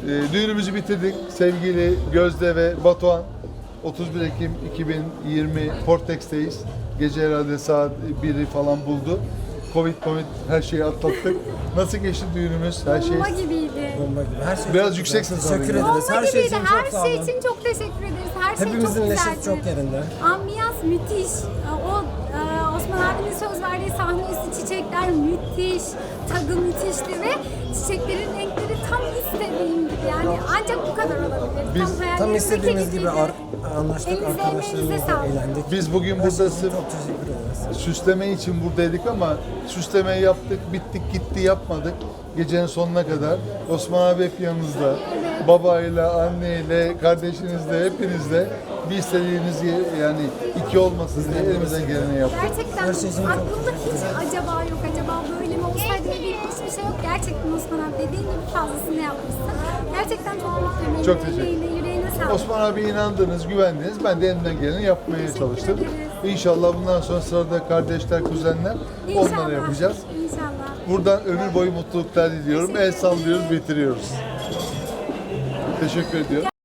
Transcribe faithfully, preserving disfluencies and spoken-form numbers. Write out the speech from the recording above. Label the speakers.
Speaker 1: Ee, düğünümüzü bitirdik. Sevgili Gözde ve Batuhan. otuz bir Ekim iki bin yirmi Portex'teyiz. Gece herhalde saat biri falan buldu. Covid, Covid her şeyi atlattık. Nasıl geçti düğünümüz? Her şey.
Speaker 2: Bomba gibiydi.
Speaker 3: Bomba gibi. Her şey
Speaker 1: Biraz
Speaker 3: çok
Speaker 1: yükseksin
Speaker 3: güzel. Teşekkür
Speaker 1: sanırım.
Speaker 3: ederiz.
Speaker 2: Bomba
Speaker 3: Her şey
Speaker 2: gibiydi.
Speaker 3: için
Speaker 2: Her
Speaker 3: çok sağ
Speaker 2: şey
Speaker 3: olun.
Speaker 2: için çok teşekkür ederiz. Her şey çok
Speaker 3: Hepimizin
Speaker 2: güzeldi.
Speaker 3: neşesi çok yerinde.
Speaker 2: Ambiyans müthiş. O e, Osman abinin söz verdiği sahne üstü çiçekler müthiş. Tadı müthişti ve çiçeklerin renkleri tam istediğim gibi. Yani ancak bu kadar olabilir.
Speaker 1: Biz-
Speaker 2: tam,
Speaker 3: Tam
Speaker 2: hayallerimizdeki
Speaker 3: istediğimiz gibi
Speaker 2: gibiydi.
Speaker 3: ar- anlaştık,
Speaker 2: Elinize, emeğinize
Speaker 3: arkadaşlarımızla
Speaker 2: sağlık.
Speaker 3: eğlendik.
Speaker 1: Biz bugün
Speaker 3: Her
Speaker 1: burada
Speaker 3: şey için
Speaker 1: sırf
Speaker 3: çok teşekkür ederiz.
Speaker 1: süsleme için buradaydık ama süslemeyi yaptık, bittik, gitti, yapmadık. Gecenin sonuna kadar. Osman abi hep yanınızda. Babayla, anneyle, kardeşinizle, hepinizle bir istediğiniz ye- yani iki olmasın diye elimizden geleni yaptık.
Speaker 2: Gerçekten
Speaker 3: Her şey için çok
Speaker 2: aklımda hiç acaba yok, acaba böyle mi olsaydı dediğim hiçbir şey yok. Gerçekten Osman abi dediğin gibi fazlasını yapmışsın. Gerçekten çok mutluyum.
Speaker 1: Çok
Speaker 2: Eline,
Speaker 1: teşekkür
Speaker 2: emeğine, yüreğine sağlık.
Speaker 1: Osman abi inandınız, güvendiniz. Ben de elimden geleni yapmaya
Speaker 2: Teşekkür
Speaker 1: çalıştım.
Speaker 2: ederiz.
Speaker 1: İnşallah bundan sonra sırada kardeşler, kuzenler
Speaker 2: İnşallah.
Speaker 1: onları yapacağız.
Speaker 2: İnşallah.
Speaker 1: Buradan ömür boyu mutluluklar diliyorum. El sallıyoruz, bitiriyoruz. Teşekkür ediyorum.